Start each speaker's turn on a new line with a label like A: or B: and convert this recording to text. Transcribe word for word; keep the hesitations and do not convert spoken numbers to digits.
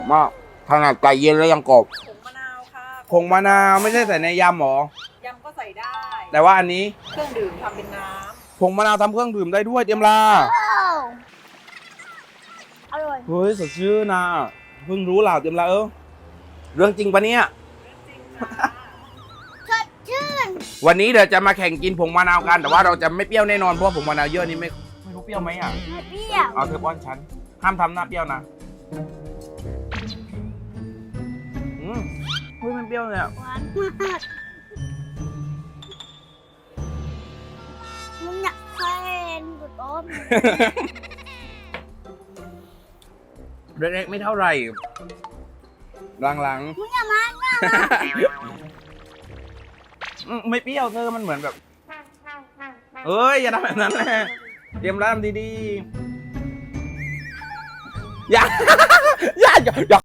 A: มากขนาดไก่เย็นแล้วยังกรอบ
B: ผงมะนาวค่ะ
A: ผงมะนาวไม่ใช่ใส่ในยำหรอย
B: ำก็ใส่ได้
A: แต่ว่าอันนี้
B: เครื่องดื่มทำเป็นน้
A: ผงมะนาวทำเครื่องดื่มได้ด้วยเตรียมลา
C: อร่อย
A: เฮ้ยสดชื่นนะเพิ่งรู้เหล่าเตรียมลาเออเรื่องจริงปะเนี่ย
B: ำเรื่องจริงค่ะ
C: สดชื่น
A: วันนี้เดี๋ยวจะมาแข่งกินผงมะนาวกันแต่ว่าเราจะไม่เปรี้ยวแน่นอนเพราะว่าผงมะนาวเยอะนี่ไม่ไม่รู้เปรี้ยวไหมอ่ะ
C: ไม่เปรี้ยว
A: เอาเธอป้อนฉันห้ามทำหน้าเปรี้ยวนะอืมเฮ้ยมันเปรี้ยวเลยอ่ะ
C: หวานมากมึงอยากแฟนกูต้ม
A: เล็กๆไม่เท่าไหร่หลัง
C: มึงอย่ามาอย่ามา
A: ๆอืมไม่เปรี้ยวเธอมันเหมือนแบบเอ้ยอย่าทำแบบนั้นแหละเตรียมร่างดีๆอย่า อย่าอย่า